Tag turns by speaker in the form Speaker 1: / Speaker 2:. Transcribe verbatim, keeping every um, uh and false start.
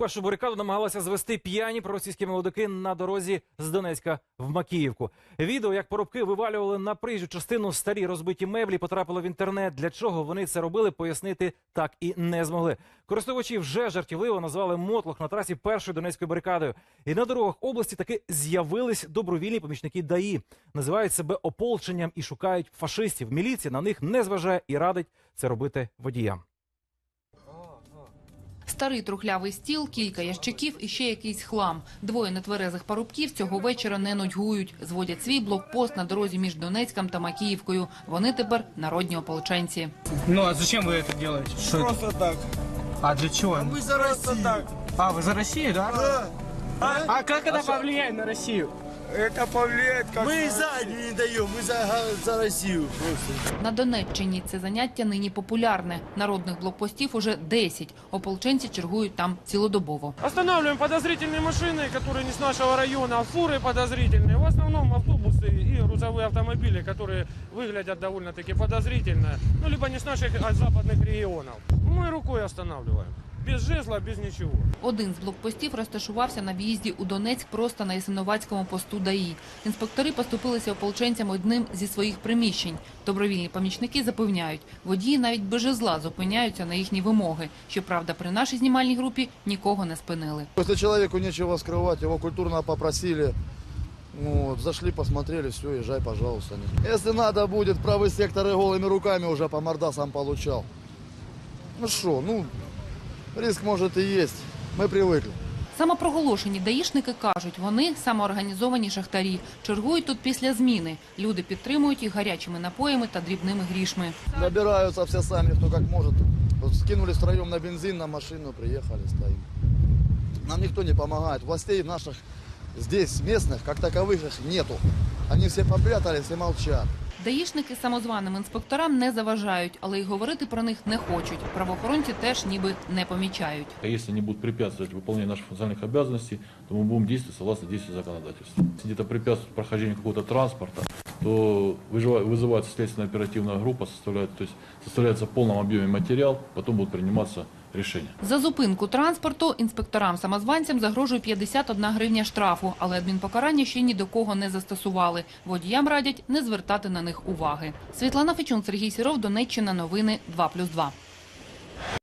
Speaker 1: Першу барикаду намагалися звести п'яні проросійські молодики на дорозі з Донецька в Макіївку. Відео, як парубки вивалювали на проїжджу частину старі розбиті меблі, потрапило в інтернет. Для чого вони це робили, пояснити так і не змогли. Користувачі вже жартівливо назвали мотлох на трасі першою донецькою барикадою. І на дорогах області таки з'явились добровільні помічники ДАІ. Називають себе ополченням і шукають фашистів. Міліція на них не зважає і радить це робити водіям.
Speaker 2: Старий трухлявий стіл, кілька ящиків і ще якийсь хлам. Двоє нетверезих парубків цього вечора не нудьгують. Зводять свій блокпост на дорозі між Донецьком та Макіївкою. Вони тепер народні ополченці.
Speaker 3: Ну а зачем вы это делаете? Что
Speaker 4: Просто
Speaker 3: это?
Speaker 4: так.
Speaker 3: А для чего?
Speaker 4: Мы за Россию. Так.
Speaker 3: А, вы за Россию, да?
Speaker 4: Да.
Speaker 3: А, а как это повлияет на Россию?
Speaker 4: Это повлияет как... Мы за не даем, мы за, за Россию просто.
Speaker 2: На Донеччині це заняття нині популярне. Народних блокпостів уже десять. Ополченці чергують там цілодобово.
Speaker 5: Останавливаем подозрительные машины, которые не с нашего района, а фуры подозрительные. В основном автобусы и грузовые автомобили, которые выглядят довольно-таки подозрительно. Ну, либо не с наших, а с западных регионов. Мы рукой останавливаем. Без жезла, без нічого.
Speaker 2: Один з блокпостів розташувався на в'їзді у Донецьк просто на Ясиновацькому посту ДАІ. Інспектори поступилися ополченцям одним зі своїх приміщень. Добровільні помічники запевняють, водії навіть без жезла зупиняються на їхні вимоги. Щоправда, при нашій знімальній групі нікого не спинили.
Speaker 6: Если человеку нечего скрывать, его культурно попросили, вот, зашли, посмотрели, все, езжай, пожалуйста. Если надо будет, правый сектор и голыми руками уже по мордасам получал. Ну что, ну... Риск, может, и есть. Мы привыкли.
Speaker 2: Самопроголошені даїшники кажуть, вони самоорганізовані шахтарі. Чергують тут після зміни. Люди підтримують їх гарячими напоями та дрібними грішми.
Speaker 6: Набираются все сами, кто как может. Вот скинулись втроем на бензин, на машину, приехали, стоим. Нам никто не помогает. Властей наших здесь, местных, как таковых, их нету. Они все попрятались и молчат.
Speaker 2: Даїшники самозваним інспекторам не заважають, але й говорити про них не хочуть. Правоохоронці теж ніби не помічають.
Speaker 7: Если они будут препятствовать выполнению наших функциональных обязанностей, то мы будем действовать согласно действию законодательства. Если где-то препятствует прохождению какого-то транспорта, то вызывается следственно-оперативная группа, составляет, то есть составляется в полном объеме материал, потом будут приниматься рішення.
Speaker 2: За зупинку транспорту інспекторам-самозванцям загрожує п'ятдесят одна гривня штрафу, але адмінпокарання ще ні до кого не застосували. Водіям радять не звертати на них уваги. Світлана Фечун, Сергій Сіров, Донеччина, новини два плюс два.